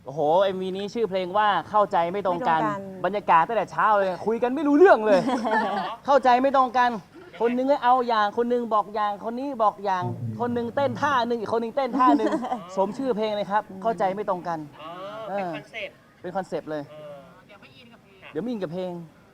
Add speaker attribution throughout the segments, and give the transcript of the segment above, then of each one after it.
Speaker 1: โอ้โห MV นี้ชื่อเพลงว่าเข้าใจไม่ตรงกัน บรรยากาศตั้งแต่เช้าเลยคุยกันไม่รู้เรื่องเลย เข้าใจไม่ตรงกัน คนนึงเอาอย่าง คนนึงบอกอย่าง คนนี้บอกอย่าง คนนึงเต้นท่าหนึ่งอีกคนนึงเต้นท่าหนึ่งสมชื่อเพลงเลยครับ เข้าใจไม่ตรงกัน
Speaker 2: เป็นคอนเซ็ปต์
Speaker 1: เป็นคอนเซปต์เลย เดี๋ยวไม่อินกับเพลง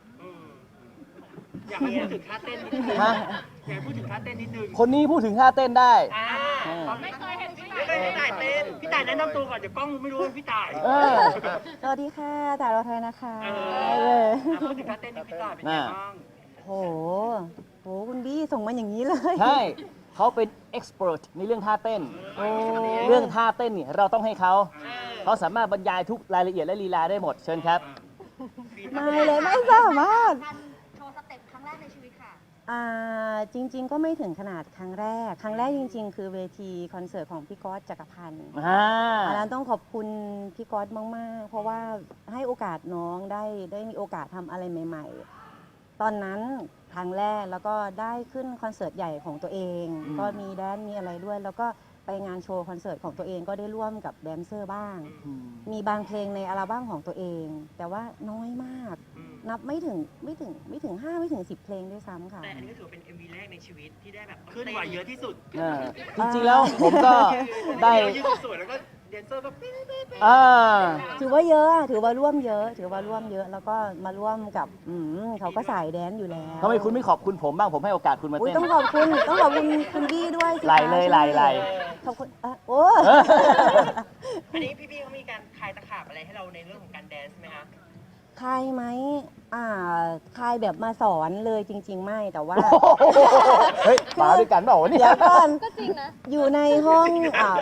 Speaker 2: อยากให้พูดถึงท่าเต้นนิดนึง
Speaker 1: ฮะ
Speaker 2: อยากให้พูดถึงท่าเต้นนิดนึง
Speaker 1: คนนี้พูดถึงท่าเต้นได้
Speaker 2: ไม่เคยเห็นพี่ต่ายเต้น พี่ต่ายแนะนำตัวก่อนเดี๋ยวกล้องไม่รู้ว่าพี่ต่าย
Speaker 1: เออ
Speaker 3: สวัสดีค่ะต่ายรอไทยนะคะ
Speaker 2: พูดถึงท่าเต้นนี่พี่ต่ายเป็นยังไงบ้าง
Speaker 3: โหคุณบี้ส่งมาอย่างนี้เลย
Speaker 1: ใช่ เขาเป็น expert ในเรื่องท่าเต้น เรื่องท่าเต้นเนี่ยเราต้องให้เขา เขาสามารถบรรยายทุกรายละเอียดและลีลาได้หมด เชิญครับ
Speaker 3: ไม่เลยไม่สามารถ
Speaker 4: โชว์สเต็ปครั้งแรกในชีวิตค่ะ
Speaker 3: จริง ๆ ก็ไม่ถึงขนาดครั้งแรก ครั้งแรกจริง ๆ คือเวทีคอนเสิร์ตของพี่ก๊อตจักรพันธ์อันนั้นต้องขอบคุณพี่ก๊อตมากๆ เพราะว่าให้โอกาสน้องได้มีโอกาสทำอะไรใหม่ ๆ ตอนนั้นครั้งแรกแล้วก็ได้ขึ้นคอนเสิร์ตใหญ่ของตัวเอง ก็มีแดนซ์มีอะไรด้วย แล้วก็ไปงานโชว์คอนเสิร์ตของตัวเองก็ได้ร่วมกับแดนเซอร์บ้าง มีบางเพลงในอัลบั้มของตัวเอง แต่ว่าน้อยมาก นับไม่ถึง5ไม่ถึง10 เพลงด้วยซ้ำค่ะ
Speaker 2: แต่อันนี้ก็ถือเป็น MV แรกในชีวิตที่ได้แบบขึ้นไหวเยอะที่สุด
Speaker 1: จริงๆแล้วผมก็ได้
Speaker 2: ยืนสวยแล้วก็แดนเซอร์ก็ปิ๊ง
Speaker 3: ถือว่าเยอะอะถือว่าร่วมเยอะ แล้วก็มาร่วมกับเขาก็สายแดนซ์อยู่แล้ว
Speaker 1: ทำไมคุณไม่ขอบคุณผมบ้าง ผมให้โอกาสคุณมา
Speaker 3: อุ๊ย
Speaker 1: เต้น
Speaker 3: ต้องขอบคุณคุณบี้ด้วยสิคะ
Speaker 1: ไหลเลยไหล
Speaker 3: ขอบคุณโอ้
Speaker 2: อันนี้พี่เขามีการคลายตะขาบอะไรให้เราในเรื่องของการแดนซ์ไหมคะ
Speaker 3: คลายไหมคลายแบบมาสอนเลยจริง ๆ ไม่แต่ว่า
Speaker 1: เฮ้ยมาด้วยกันเปล่าวะเนี่
Speaker 3: เดี๋
Speaker 1: ย
Speaker 3: ยวก่อน
Speaker 4: ก็จริงนะ
Speaker 3: อยู่ในห้อง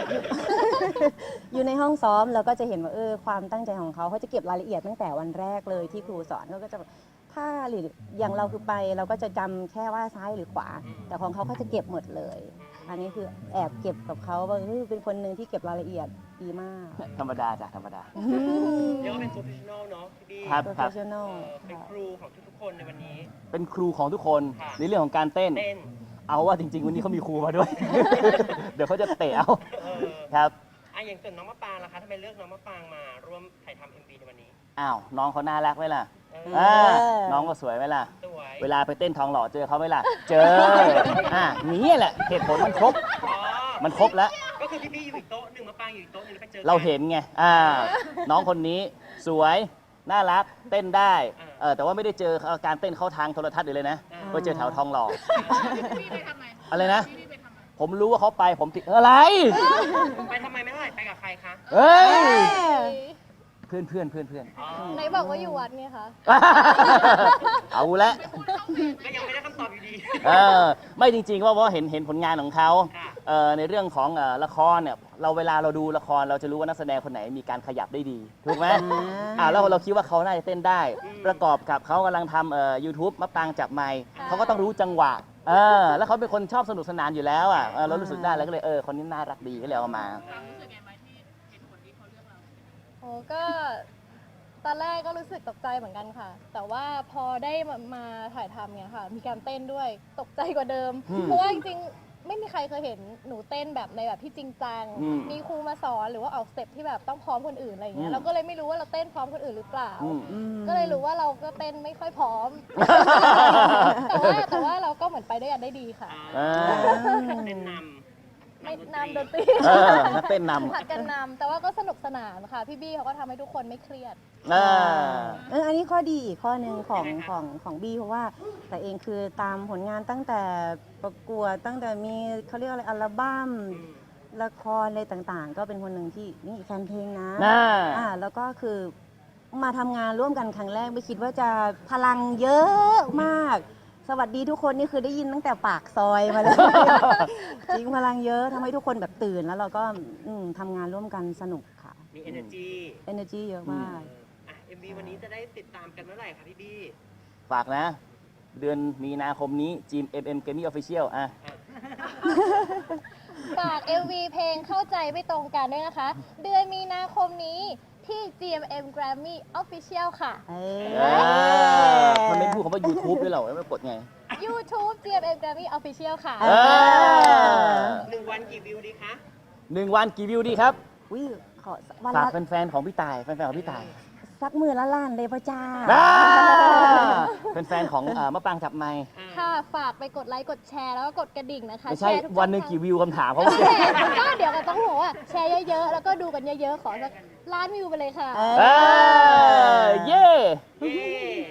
Speaker 3: อยู่ในห้องซ้อมเราก็จะเห็นว่าความตั้งใจของเขาจะเก็บรายละเอียดตั้งแต่วันแรกเลยที่ครูสอนเขาก็จะถ้าหรืออย่างเราคือไปเราก็จะจำแค่ว่าซ้ายหรือขวา แต่ของเขาจะเก็บหมดเลย อันนี้คือแอบเก็บกับเขาว่าเป็นคนหนึ่งที่เก็บรายละเอียดดีมาก
Speaker 1: ธรรมดาจ้ะธรรมดา
Speaker 2: เรียกว่าเป็นโปรเฟชชั่นอลเนาะพี่บี้
Speaker 1: ครับ
Speaker 3: professional
Speaker 2: เป็นครูของทุกๆคนในวันนี้
Speaker 1: เป็นครูของทุกคน
Speaker 2: ค่ะ
Speaker 1: ในเรื่องของการเต้น
Speaker 2: เต้น
Speaker 1: เอาว่าจริงๆ วันนี้เขามีครูมาด้วย เดี๋ยวเขาจะเตะเอา ครับ
Speaker 2: อย่างส่วนน้องมะปรางล่ะคะทำไมเลือกน้องมะปรางมาร่วมถ่ายทำ MV ในวันนี้
Speaker 1: อ้าว น้องเขาน่ารักไหมล่ะ
Speaker 2: เออ
Speaker 1: น้องก็สวยไหมล่ะ
Speaker 2: สวย
Speaker 1: เวลาไปเต้นทองหล่อเจอเขาไหมล่ะ เจอ นี่แหละ เหตุผลมันครบ
Speaker 2: อ๋อ
Speaker 1: มันครบแล้ว
Speaker 2: ก็คือพี่บี้อยู่อีกโต๊ะหนึ่งมะปรางอยู่อีกโต๊ะหนึ่งแล้วไปเจอกัน
Speaker 1: เราเห็นไง น้องคนนี้สวย น่ารัก เต้นได้ แต่ว่าไม่ได้เจอการเต้นเข้าทางโทรทัศน์เลยนะไปเจอแถวทองหล่ออะไรนะ ผมรู้ว่าเขาไป ผมติดอะไร
Speaker 2: ไปทำไมไม่เท่าไหร่ไปกับใครคะ
Speaker 1: เฮ้ย เพื่อน
Speaker 2: อ๋อ
Speaker 4: ไหนบอกว่าอยู่วัดไงคะ
Speaker 1: เอาละ
Speaker 2: ก็ยังไม่ได้คำตอบอยู่ดี
Speaker 1: ไม่จริงๆว่าเห็นผลงานของเขา
Speaker 2: ค่ะ
Speaker 1: ในเรื่องของละครเนี่ยเวลาเราดูละครเราจะรู้ว่านักแสดงคนไหนมีการขยับได้ดีถูกไหมแล้วเราคิดว่าเขาน่าจะเต้นได้ ประกอบกับเขากำลังทำYouTube มะปรางจับไมค์เขาก็ต้องรู้จังหวะแล้วเขาเป็นคนชอบสนุกสนานอยู่แล้วเรารู้สึกได้แล้วก็เลยคนนี้น่ารักดีก็เลยเอามา
Speaker 4: โอ้ก็ตอนแรกก็รู้สึกตกใจเหมือนกันค่ะ แต่ว่าพอได้มาถ่ายทำเนี่ยค่ะ มีการเต้นด้วยตกใจกว่าเดิม เพราะว่าจริงๆไม่มีใครเคยเห็นหนูเต้นแบบในแบบที่จริงจัง มีครูมาสอนหรือว่าออกสเต็ปที่แบบต้องพร้อมคนอื่นอะไรอย่างเงี้ย เราก็เลยไม่รู้ว่าเราเต้นพร้อมคนอื่นหรือเปล่า ก็เลยรู้ว่าเราก็เต้นไม่ค่อยพร้อม แต่ว่าเราก็เหมือนไปด้วยกันได้ดีค่ะ
Speaker 2: เต้นนำ
Speaker 4: ไม่นำดนตรี
Speaker 1: เต้นนำ
Speaker 4: ผัดกันนำแต่ว่าก็สนุกสนานค่ะ พี่บี้เขาก็ทำให้ทุกคนไม่เครียด
Speaker 3: อันนี้ข้อดีอีกข้อหนึ่งของบี้เพราะว่าแต่เองคือตามผลงานตั้งแต่ประกวดตั้งแต่มีเขาเรียกอะไรอัลบั้มละครอะไรต่างๆ ก็เป็นคนหนึ่งที่นี่แฟนเพลงนะแล้วก็คือมาทำงานร่วมกันครั้งแรกไม่คิดว่าจะพลังเยอะมากสวัสดีทุกคนนี่คือได้ยินตั้งแต่ปากซอยมาเลย จริงพลังเยอะทำให้ทุกคนแบบตื่นแล้วเราก็ทำงานร่วมกันสนุกค่ะ
Speaker 2: มี energy
Speaker 3: เยอะมาก
Speaker 2: MV วันนี้จะได้ติดตามกันเมื่อไหร่คะพี่บี้
Speaker 1: ฝากนะ เดือนมีนาคมนี้จีม Gaming Official
Speaker 4: ฝาก MV เพลงเข้าใจไม่ตรงกันด้วยนะคะ เดือนมีนาคมนี้ที่ GMM Grammy Official ค่ะ
Speaker 1: มันไม่พูดคำว่า YouTube ด้วยเหรอไม่กดไง
Speaker 4: YouTube GMM Grammy Official ค่ะ
Speaker 2: 1 วันกี่วิวดีคะ
Speaker 1: 1 วันกี่วิวดีครับ
Speaker 3: อุ้ยขอวัน
Speaker 1: ฝาก
Speaker 3: ละ
Speaker 1: แฟนๆของพี่ต่ายแฟนๆของพี่ต่าย
Speaker 3: สักมือละล้านเลยพ่อจ้า
Speaker 1: เป็นแฟนของมะปรางจับไมค์
Speaker 4: ค่ะ ฝากไปกดไลค์กดแชร์แล้วก็กดกระดิ่งนะคะ
Speaker 1: ไม่ใช่
Speaker 4: แชร์ทุก
Speaker 1: วันหนึ่ง
Speaker 4: ช่อ
Speaker 1: กี่วิวคำถามเขา
Speaker 4: นั่นแหละก็เดี๋ยวก็ต้องบอกว่าแชร์เยอะๆ แล้วก็ดูกันเยอะๆ ขอสักล้านวิวไปเลยค่ะ
Speaker 3: เออ
Speaker 1: เย้
Speaker 2: เย้